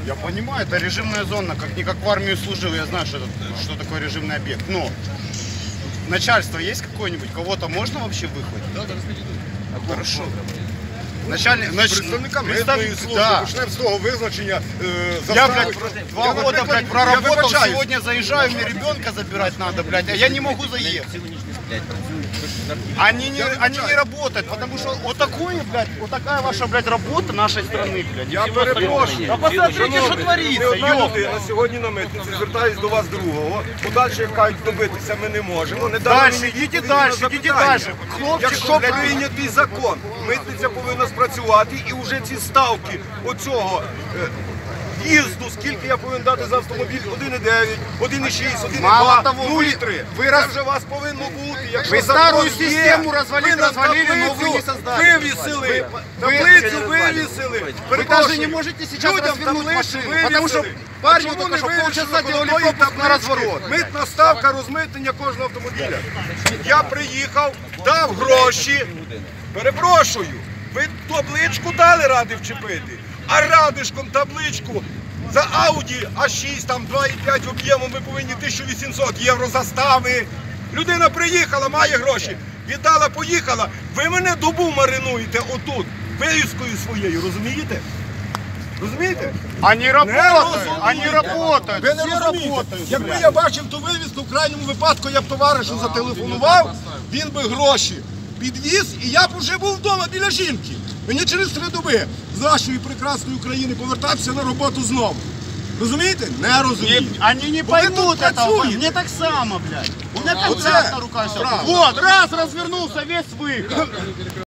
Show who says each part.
Speaker 1: Я понимаю, это режимная зона, как в армию служил, я знаю, что такое режимный объект. Но начальство есть какое-нибудь? Кого-то можно вообще выхватить?
Speaker 2: Да, зараз підійдуть.
Speaker 1: Хорошо. Начальник,
Speaker 3: Представникам митної служби, почнемо з того визначення.
Speaker 1: Я, блядь, 2 года, блядь, проработал, сегодня заезжаю, мне ребенка забирать надо, блядь, а я не могу заехать. Они не работают, потому что вот такое, блядь, вот такая ваша, блядь, работа нашей страны, блядь.
Speaker 3: Я перепрошую.
Speaker 1: А посмотрите, що твориться,
Speaker 3: Не одна
Speaker 1: йоп.
Speaker 3: людина сьогодні на митниці, звертаюсь до вас другого. Подальше, як кажуть, добитися ми не можемо.
Speaker 1: Дальше, йдіть дальше, йдіть дальше.
Speaker 3: Якщо прийнятий закон, митниця повинна спрацювати і вже ці ставки оцього їзду, скільки я повинен дати за автомобіль, 1,9, 1,6,
Speaker 1: Мало
Speaker 3: 1,2,
Speaker 1: того,
Speaker 3: 0,3. Це вже у вас повинно бути. Якщо
Speaker 1: Ви
Speaker 3: закон
Speaker 1: стару
Speaker 3: є,
Speaker 1: систему
Speaker 3: ви нам
Speaker 1: развалили, но вы не
Speaker 3: таблицю
Speaker 1: создали.
Speaker 3: вивісили. Таблицю вивісили.
Speaker 1: Вы даже не можете сейчас развернуть машину, потому что парни только что полчаса делали пропуск на разворот.
Speaker 3: Митна ставка розмитнення кожного автомобіля. Я приїхав, дав гроші. Перепрошую, ви табличку дали ради вчепити, а радишком табличку за Audi А6, там 2,5 об'ємом ви повинні 1800 євро застави. Людина приїхала, має гроші, віддала, поїхала. Ви мене добу маринуєте отут, вивіскою своєю, розумієте? Розумієте?
Speaker 1: Они работают, они работают,
Speaker 3: Ви не
Speaker 1: все
Speaker 3: розумієте.
Speaker 1: работают.
Speaker 3: Якби я бачив ту вивіску, в крайньому випадку я б товаришу зателефонував, він би гроші підвіз, і я б вже був вдома біля жінки. Мені через 3 доби з нашої прекрасної України повертатися на роботу знову. Розумієте? Не розумію.
Speaker 1: Они не
Speaker 3: Бо ви
Speaker 1: поймут
Speaker 3: тут
Speaker 1: этого,
Speaker 3: працюєте.
Speaker 1: мне так само, блядь. У меня
Speaker 3: Вот
Speaker 1: контракт
Speaker 3: это
Speaker 1: на руках.
Speaker 3: правда.
Speaker 1: Вот, раз, развернулся, весь выход.